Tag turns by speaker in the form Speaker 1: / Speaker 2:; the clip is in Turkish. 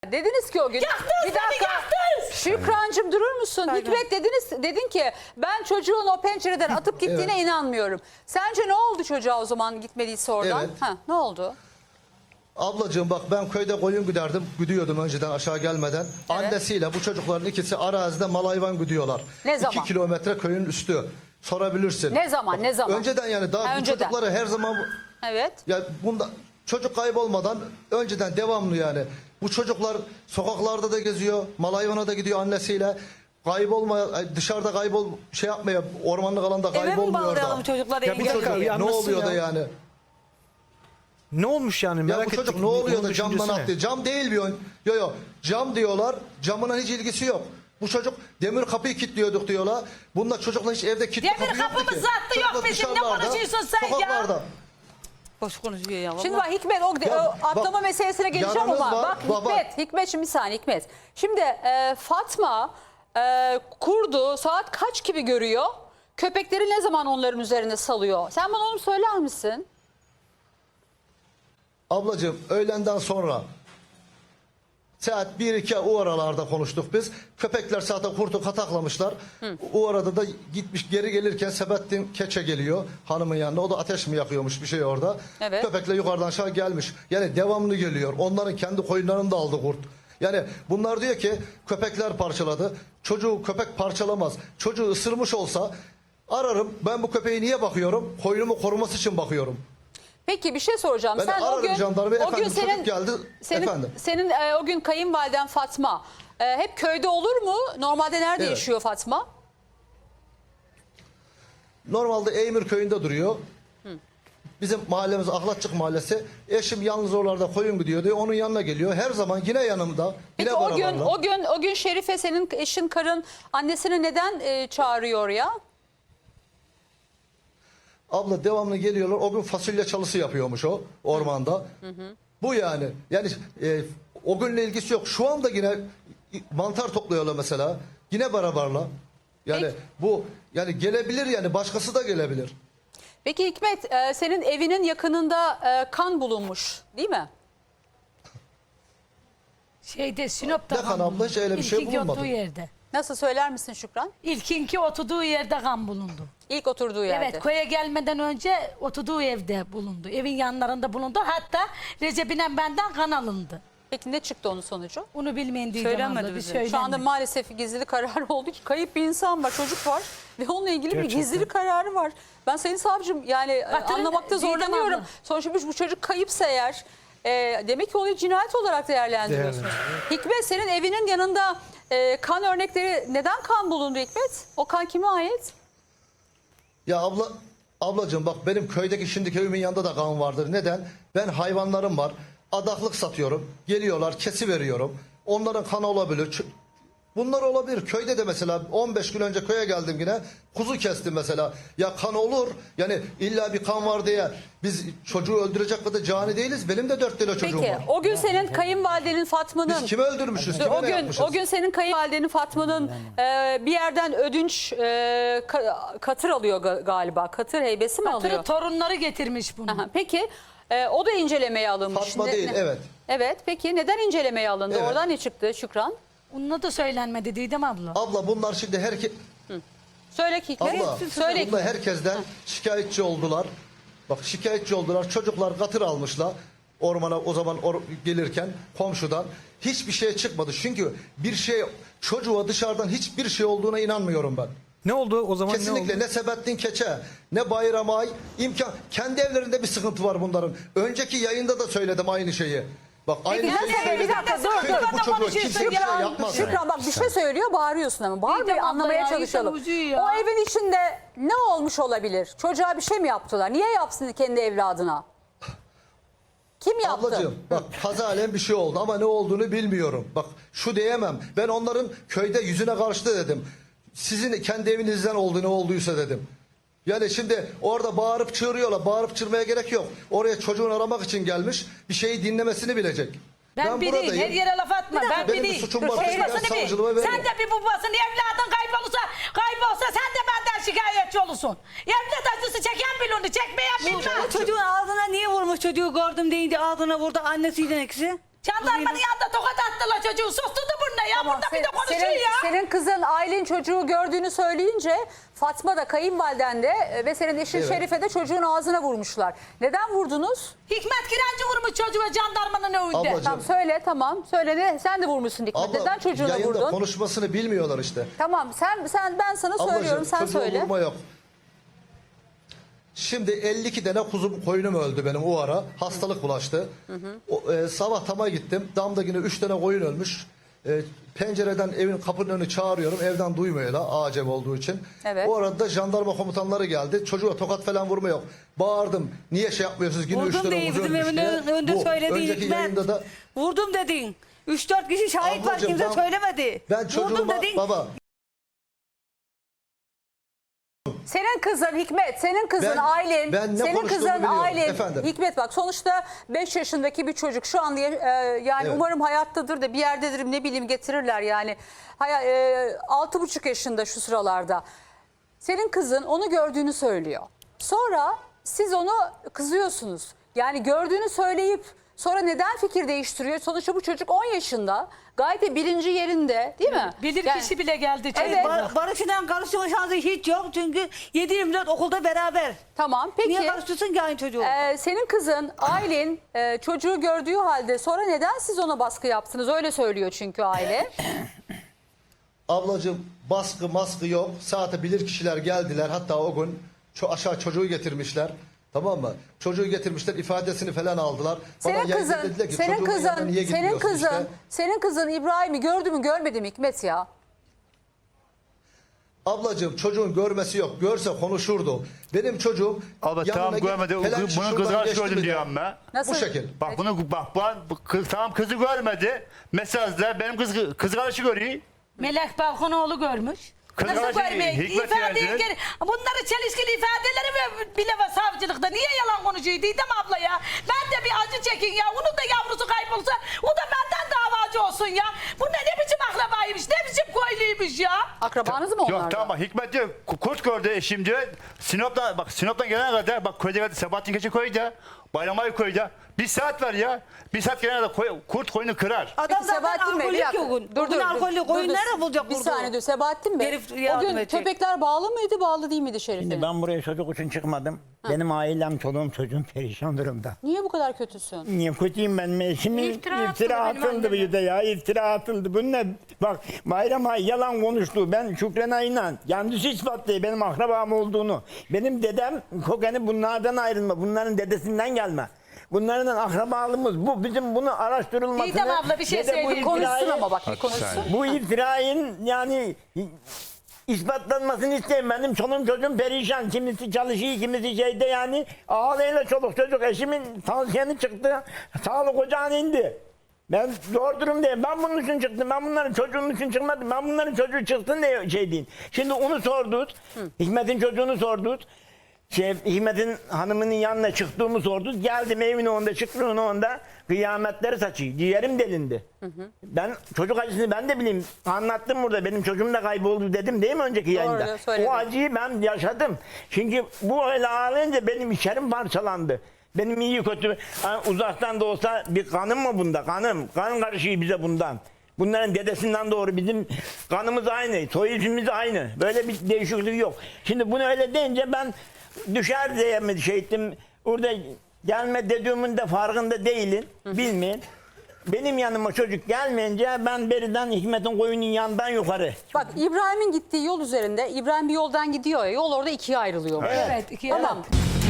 Speaker 1: Dediniz ki o gün.
Speaker 2: Yaktın
Speaker 1: bir
Speaker 2: seni,
Speaker 1: dakika.
Speaker 2: yaktın.
Speaker 1: Şükrancığım durur musun?
Speaker 2: Aynen.
Speaker 1: Hikmet dedin ki ben çocuğun o pencereden atıp gittiğine inanmıyorum. Sence ne oldu çocuğa o zaman gitmediyse oradan?
Speaker 3: Evet.
Speaker 1: Ha, ne oldu?
Speaker 3: Ablacığım bak ben köyde koyun güderdim. Güdüyordum önceden aşağı gelmeden. Annesiyle bu çocukların ikisi arazide mal hayvan güdüyorlar.
Speaker 1: Ne zaman?
Speaker 3: 2 kilometre köyün üstü. Sorabilirsin.
Speaker 1: Ne zaman,
Speaker 3: Bak,
Speaker 1: ne zaman?
Speaker 3: Önceden yani daha bu
Speaker 1: önceden.
Speaker 3: çocukları her zaman...
Speaker 1: Evet.
Speaker 3: Ya bunda çocuk kaybolmadan önceden devamlı yani. Bu çocuklar sokaklarda da geziyor. Mal hayvana da gidiyor annesiyle. Dışarıda şey yapmaya ormanlık alanda
Speaker 2: Eve mi
Speaker 3: kaybolmuyor
Speaker 2: bağlayalım
Speaker 3: da.
Speaker 2: çocukları?
Speaker 4: Ya bu
Speaker 2: evde?
Speaker 4: dakika, bir
Speaker 3: Ne
Speaker 4: anlatsın
Speaker 3: oluyor da
Speaker 4: ya.
Speaker 3: yani?
Speaker 4: Ne olmuş yani
Speaker 3: Ya
Speaker 4: merak
Speaker 3: bu çocuk
Speaker 4: ettik.
Speaker 3: ne oluyor
Speaker 4: Onun
Speaker 3: da camdan
Speaker 4: düşüncesi ne?
Speaker 3: attı? Cam değil bir ön. Yo cam diyorlar. Camına hiç ilgisi yok. Bu çocuk demir kapıyı kilitliyorduk diyorlar. Bunlar çocuklar hiç evde kilitli
Speaker 2: Demir
Speaker 3: kapı yoktu
Speaker 2: kapımız
Speaker 3: ki.
Speaker 2: zaten yok
Speaker 3: Çocuklar
Speaker 2: bizim. Ne
Speaker 3: dışarılarda,
Speaker 2: konuşuyorsun sen ya?
Speaker 3: sokaklarda.
Speaker 2: Boş konuşuyor ya.
Speaker 1: Şimdi
Speaker 2: vallahi.
Speaker 1: bak Hikmet o
Speaker 3: Ya
Speaker 1: atlama
Speaker 3: bak,
Speaker 1: meselesine geleceğim
Speaker 3: yaranız
Speaker 1: ama
Speaker 3: var,
Speaker 1: bak Hikmet şimdi bir saniye Hikmet. Şimdi Fatma kurdu saat kaç gibi görüyor? Köpekleri ne zaman onların üzerine salıyor? Sen bana onu söyler misin?
Speaker 3: Ablacığım öğlenden sonra saat 1-2 o aralarda konuştuk biz. Köpekler zaten kurtu kataklamışlar. O arada da gitmiş geri gelirken Sebettin Keçe geliyor hanımın yanına. O da ateş mi yakıyormuş bir şey orada.
Speaker 1: Evet.
Speaker 3: Köpekle yukarıdan aşağı gelmiş. Yani devamlı geliyor. Onların kendi koyunlarını da aldı kurt. Yani bunlar diyor ki köpekler parçaladı. Çocuğu köpek parçalamaz. Çocuğu ısırmış olsa ararım. Ben bu köpeği niye bakıyorum? Koyunumu koruması için bakıyorum.
Speaker 1: Peki bir şey soracağım.
Speaker 3: Ben
Speaker 1: Sen o
Speaker 3: ararım
Speaker 1: gün
Speaker 3: jandarmayı,
Speaker 1: o gün
Speaker 3: efendim, çocuk geldi, efendim.
Speaker 1: senin o gün kayınvaliden Fatma hep köyde olur mu? Normalde nerede
Speaker 3: Evet.
Speaker 1: yaşıyor Fatma?
Speaker 3: Normalde Eymir köyünde duruyor. Bizim mahallemiz Ahlatçık mahallesi. Eşim yalnız oralarda koyun gidiyordu. Onun yanına geliyor. Her zaman yine yanımda. Yine
Speaker 1: Peki
Speaker 3: beraberler.
Speaker 1: o gün Şerife senin eşin karın annesini neden çağırıyor ya?
Speaker 3: Abla devamlı geliyorlar. O gün fasulye çalısı yapıyormuş o ormanda. Bu yani. Yani o günle ilgisi yok. Şu anda yine mantar topluyorlar mesela. Yine beraberler. Yani
Speaker 1: Peki.
Speaker 3: bu yani gelebilir yani başkası da gelebilir.
Speaker 1: Peki Hikmet senin evinin yakınında kan bulunmuş değil mi?
Speaker 2: Şeyde Sinop'ta
Speaker 3: Ne kan abla, hiç öyle bir şey
Speaker 2: İlkinki
Speaker 3: bulunmadı.
Speaker 2: oturduğu yerde.
Speaker 1: Nasıl söyler misin Şükran?
Speaker 2: İlkinki oturduğu yerde kan bulundu.
Speaker 1: İlk oturduğu yerde.
Speaker 2: Evet, köye gelmeden önce oturduğu evde bulundu. Evin yanlarında bulundu. Hatta Recep'ine benden kan alındı.
Speaker 1: Peki ne çıktı onun sonucu?
Speaker 2: Onu bilmeyin diyeceğim
Speaker 1: Söylenmedi
Speaker 2: abla. Bir
Speaker 1: bize.
Speaker 2: söylenmedi.
Speaker 1: Şu anda maalesef gizli karar oldu ki kayıp bir insan var, çocuk var ve onunla ilgili bir
Speaker 4: Gerçekten.
Speaker 1: gizli kararı var. Ben Sayın Savcım yani
Speaker 2: Batırın,
Speaker 1: anlamakta
Speaker 2: Didem
Speaker 1: zorlanıyorum.
Speaker 2: abla.
Speaker 1: Sonuçta bu çocuk kayıpsa eğer demek ki olayı cinayet olarak değerlendiriyorsunuz. Hikmet senin evinin yanında kan örnekleri neden kan bulundu Hikmet? O kan kime ait?
Speaker 3: Ya ablacığım bak benim köydeki şimdiki evimin yanında da kan vardır. Neden? Ben hayvanlarım var. Adaklık satıyorum. Geliyorlar kesi veriyorum. Onların kanı olabilir. Bunlar olabilir. Köyde de mesela 15 gün önce köye geldim yine. Kuzu kestim mesela. Ya kan olur. Yani illa bir kan var diye biz çocuğu öldürecek kadar cani değiliz. Benim de 4 tane çocuğum
Speaker 1: Peki
Speaker 3: var.
Speaker 1: o gün senin kayınvalidenin Fatma'nın
Speaker 3: Biz kimi öldürmüşüz? Kime
Speaker 1: O
Speaker 3: ne
Speaker 1: gün
Speaker 3: yapmışız?
Speaker 1: o gün senin kayınvalidenin Fatma'nın bir yerden ödünç katır alıyor galiba. Katır heybesi mi alıyor?
Speaker 2: Hatırı torunları getirmiş bunu.
Speaker 1: Aha, peki o da incelemeye alınmış.
Speaker 3: Fatma değil, evet.
Speaker 1: Evet peki neden incelemeye alındı?
Speaker 3: Evet.
Speaker 1: Oradan ne çıktı Şükran?
Speaker 2: Onunla da söylenmedi Didem abla.
Speaker 3: Abla bunlar şimdi
Speaker 1: Söyle ki Hikmet.
Speaker 3: Abla,
Speaker 1: Söyle
Speaker 3: bunda herkesten şikayetçi oldular. Bak şikayetçi oldular. Çocuklar katır almışlar. Ormana o zaman gelirken komşudan. Hiçbir şey çıkmadı. Çünkü bir şey çocuğa dışarıdan hiçbir şey olduğuna inanmıyorum ben.
Speaker 4: Ne oldu o zaman?
Speaker 3: Kesinlikle
Speaker 4: ne
Speaker 3: ne
Speaker 4: oldu?
Speaker 3: Sebettin Keçe ne Bayram Ay kendi evlerinde bir sıkıntı var bunların. Önceki yayında da söyledim aynı şeyi. Bak aynı
Speaker 1: Peki,
Speaker 3: şeyi
Speaker 1: nasıl?
Speaker 3: söyledim.
Speaker 1: Bir dakika, dur,
Speaker 3: Çünkü
Speaker 1: dur.
Speaker 3: bu çocuğa
Speaker 2: Konuşuyorsun
Speaker 3: kimse bir şey
Speaker 2: ya.
Speaker 3: yapmaz.
Speaker 1: Şükran bak bir şey söylüyor bağırıyorsun ama. Bağır
Speaker 2: Didem
Speaker 1: bir
Speaker 2: abla
Speaker 1: anlamaya
Speaker 2: ya,
Speaker 1: çalışalım.
Speaker 2: insan uzuyor ya.
Speaker 1: O evin içinde ne olmuş olabilir? Çocuğa bir şey mi yaptılar? Niye yapsın kendi evladına? Kim yaptı?
Speaker 3: Ablacığım bak kazalen bir şey oldu ama ne olduğunu bilmiyorum. Bak şu diyemem. Ben onların köyde yüzüne karşı dedim. Sizin kendi evinizden oldu ne olduysa dedim. Yani şimdi orada bağırıp çığırıyorlar. Bağırıp çığırmaya gerek yok. Oraya çocuğunu aramak için gelmiş. Bir şeyi dinlemesini bilecek.
Speaker 2: Ben biriyim. Her yere laf atma. Ben
Speaker 3: Benim bir
Speaker 2: biriyim.
Speaker 3: suçum var.
Speaker 2: Konuşmasını
Speaker 3: Ben
Speaker 2: bil.
Speaker 3: savcılığa veririm.
Speaker 2: Sen de bir babasın. Evladın kaybolsa sen de benden şikayetçi olursun. Evde taşlısı çeken bile onu çekmeyen bilmez.
Speaker 5: Bu çocuğun ağzına niye vurmuş, çocuğu gördüm deyince ağzına vurdu annesiyle ikisi.
Speaker 2: Jandarmanın yanında tokat attılar çocuğu. Susturdu burnuna ya.
Speaker 1: Tamam,
Speaker 2: Burada bir de konuşuyor ya.
Speaker 1: senin kızın Aylin çocuğu gördüğünü söyleyince Fatma da kayınvaliden de ve senin eşin
Speaker 3: Evet.
Speaker 1: Şerife de çocuğun ağzına vurmuşlar. Neden vurdunuz?
Speaker 2: Hikmet Kirenci vurmuş çocuğa jandarmanın önünde.
Speaker 3: Ablacığım.
Speaker 1: Tamam söyle, tamam. Söyle ne? Sen de vurmuşsun Hikmet.
Speaker 3: Abla,
Speaker 1: Neden çocuğuna
Speaker 3: yayında
Speaker 1: vurdun?
Speaker 3: konuşmasını bilmiyorlar işte.
Speaker 1: Tamam ben sana söylüyorum,
Speaker 3: Ablacığım,
Speaker 1: sen
Speaker 3: çocuğa
Speaker 1: söyle.
Speaker 3: vurma yok. Şimdi 52 tane koyunum öldü benim o ara. Hastalık bulaştı. Sabah tama gittim. Damda yine 3 tane koyun ölmüş. Pencereden evin kapının önünü çağırıyorum. Evden duymuyorlar acem olduğu için.
Speaker 1: Evet.
Speaker 3: O arada jandarma komutanları geldi. Çocuğa tokat falan vurma yok. Bağırdım. Niye şey yapmıyorsunuz? Yine 3
Speaker 5: Vurdum
Speaker 3: tane
Speaker 5: değil,
Speaker 3: kuzu
Speaker 5: bizim
Speaker 3: ölmüş
Speaker 5: evin
Speaker 3: diye.
Speaker 5: önünde
Speaker 3: Bu
Speaker 5: söylediğin
Speaker 3: önceki
Speaker 5: Hikmet.
Speaker 3: yayında da
Speaker 5: Vurdum dedin. 3-4 kişi şahit var,
Speaker 3: Ablacığım,
Speaker 5: kimse
Speaker 3: ben-
Speaker 5: söylemedi.
Speaker 3: ben
Speaker 5: Vurdum
Speaker 3: çocuğuma
Speaker 5: dedin.
Speaker 3: baba
Speaker 1: Senin kızın Hikmet, senin kızın
Speaker 3: Ben-
Speaker 1: Aylin,
Speaker 3: ben ne
Speaker 1: senin
Speaker 3: konuştuğumu
Speaker 1: kızın
Speaker 3: biliyorum
Speaker 1: Aylin.
Speaker 3: efendim.
Speaker 1: Hikmet bak sonuçta 5 yaşındaki bir çocuk şu an yani
Speaker 3: Evet.
Speaker 1: umarım hayattadır da bir yerdedir ne bileyim getirirler yani. 6,5 yaşında şu sıralarda. Senin kızın onu gördüğünü söylüyor. Sonra siz onu kızıyorsunuz. Yani gördüğünü söyleyip sonra neden fikir değiştiriyor? Sonuçta bu çocuk 10 yaşında. Gayet de bilinci yerinde değil mi?
Speaker 2: Bilir
Speaker 1: Yani-
Speaker 2: kişi bile geldi.
Speaker 1: Evet.
Speaker 5: Barış'la karıştırma şansı hiç yok çünkü 7-24 okulda beraber.
Speaker 1: Tamam peki.
Speaker 5: Niye karıştırsın ki aynı çocuğu?
Speaker 1: Senin kızın Aylin çocuğu gördüğü halde sonra neden siz ona baskı yaptınız? Öyle söylüyor çünkü aile.
Speaker 3: ablacığım baskı maskı yok. Saate bilir kişiler geldiler. Hatta o gün aşağı çocuğu getirmişler. Tamam mı? Çocuğu getirmişler, ifadesini falan aldılar. Bana
Speaker 1: Senin
Speaker 3: yayında
Speaker 1: kızın,
Speaker 3: dediler ki,
Speaker 1: senin
Speaker 3: çocuğumun yanına
Speaker 1: kızın,
Speaker 3: niye
Speaker 1: senin
Speaker 3: gitmiyorsun
Speaker 1: kızın,
Speaker 3: işte?
Speaker 1: senin kızın İbrahim'i gördü mü görmedi mi Hikmet ya?
Speaker 3: Ablacığım çocuğun görmesi yok. Görse konuşurdu. Benim çocuğum
Speaker 6: Abla
Speaker 3: yanına
Speaker 6: tamam
Speaker 3: git,
Speaker 6: görmedi.
Speaker 3: falan
Speaker 6: Bunun
Speaker 3: şuradan
Speaker 6: kızını
Speaker 3: geçti
Speaker 6: gördüm
Speaker 3: mi
Speaker 6: diyorum ben.
Speaker 1: Nasıl?
Speaker 3: Bu şekil.
Speaker 6: Bak bunu bu kız tamam kızı görmedi. Mesajda benim kız kardeşi görüyor.
Speaker 2: Melek Balkonoğlu görmüş.
Speaker 6: Kız
Speaker 2: Nasıl
Speaker 6: kardeşi
Speaker 2: görmeyecek?
Speaker 6: Hikmet
Speaker 2: İfadeyi
Speaker 6: geldi.
Speaker 2: geri... Bunları çelişkili ifadeleri bile var savcılıkta. Niye yalan konuşuyor Didem abla ya? Ben de bir acı çekin ya. Onun da yavrusu kaybolsa o da benden davacı olsun ya. Bu ne biçim akrabaymış, ne biçim koyluymuş ya.
Speaker 1: Akrabanız mı onlar
Speaker 6: Yok
Speaker 1: da?
Speaker 6: tamam bak Hikmet diyor kurt gördü eşim diyor. Sinop'tan gelene kadar bak köyde geldi Sebahattin Keçi köyde. Bayramayı köyde. 1 saat var ya. 1 saat gelene kadar kurt koyunu kırar.
Speaker 5: Adam
Speaker 1: Peki
Speaker 5: zaten
Speaker 1: Sebahattin Bey bir
Speaker 5: alkolik
Speaker 1: dakika.
Speaker 5: yok. Bugün alkolik oyun nerede bulacak
Speaker 1: Bir
Speaker 5: burada?
Speaker 1: saniye dur Sebahattin Bey.
Speaker 5: Herif
Speaker 1: O
Speaker 5: yardım
Speaker 1: gün
Speaker 5: edecek.
Speaker 1: köpekler bağlı mıydı bağlı değil miydi Şerif'in?
Speaker 7: Şimdi ben buraya çocuk için çıkmadım. Benim ailem, çoluğum, çocuğum perişan durumda.
Speaker 1: Niye bu kadar kötüsün?
Speaker 7: Niye kötüyüm ben? Eşimin
Speaker 2: İftira
Speaker 7: iftira
Speaker 2: atıldı benim
Speaker 7: atıldı bir de ya. İftira atıldı. Bu ne? Bak Bayram Ay yalan konuştu. Ben Şükran Ay'la kendisi ispatlıyor benim akrabam olduğunu. Benim dedem kokeni bunlardan ayrılma. Bunların dedesinden gelme. Bunların akrabalığımız bu. Bizim bunu araştırılmasını...
Speaker 2: Didem abla bir şey
Speaker 7: ve de bu
Speaker 2: söyleyeyim.
Speaker 1: Konuşsun
Speaker 7: iftirayı-
Speaker 1: ama bak bir konuşsun.
Speaker 7: Bu iftirayın yani ispatlanmasını isteyeyim. Benim çoluğum çocuğum perişan. Kimisi çalışıyor, kimisi şeyde yani. Ağlayla çoluk çocuk. Eşimin tansiyonu çıktı. Sağlık ocağına indi. Ben zor durumdayım. Ben bunun için çıktım. Ben bunların çocuğunun için çıkmadım. Ben bunların çocuğu çıksın diye şey diyeyim. Şimdi onu sorduk. Hikmet'in çocuğunu sorduk. Hikmet'in hanımının yanına çıktığımı sorduk. Geldim evine onda, çıktım onda. Kıyametleri saçıyor. Ciğerim delindi. Ben çocuk acısını ben de bileyim. Anlattım burada. Benim çocuğum da kayboldu dedim değil mi önceki yayında?
Speaker 1: söyledin.
Speaker 7: O acıyı ben yaşadım. Çünkü bu öyle ağlayınca benim içerim parçalandı. Benim iyi kötü uzaktan da olsa bir kanım mı bunda? Kanım. Kan karışıyor bize bundan. Bunların dedesinden doğru bizim kanımız aynı. Soy ismimiz aynı. Böyle bir değişiklik yok. Şimdi bunu öyle deyince ben düşer diye mi şey ettim. Orada gelme dediğimin de farkında değilim. Bilmeyin. Benim yanıma çocuk gelmeyince ben beriden Hikmet'in koyunun yanından yukarı.
Speaker 1: Bak İbrahim'in gittiği yol üzerinde İbrahim bir yoldan gidiyor ya yol orada ikiye ayrılıyor.
Speaker 2: Evet.
Speaker 1: Tamam.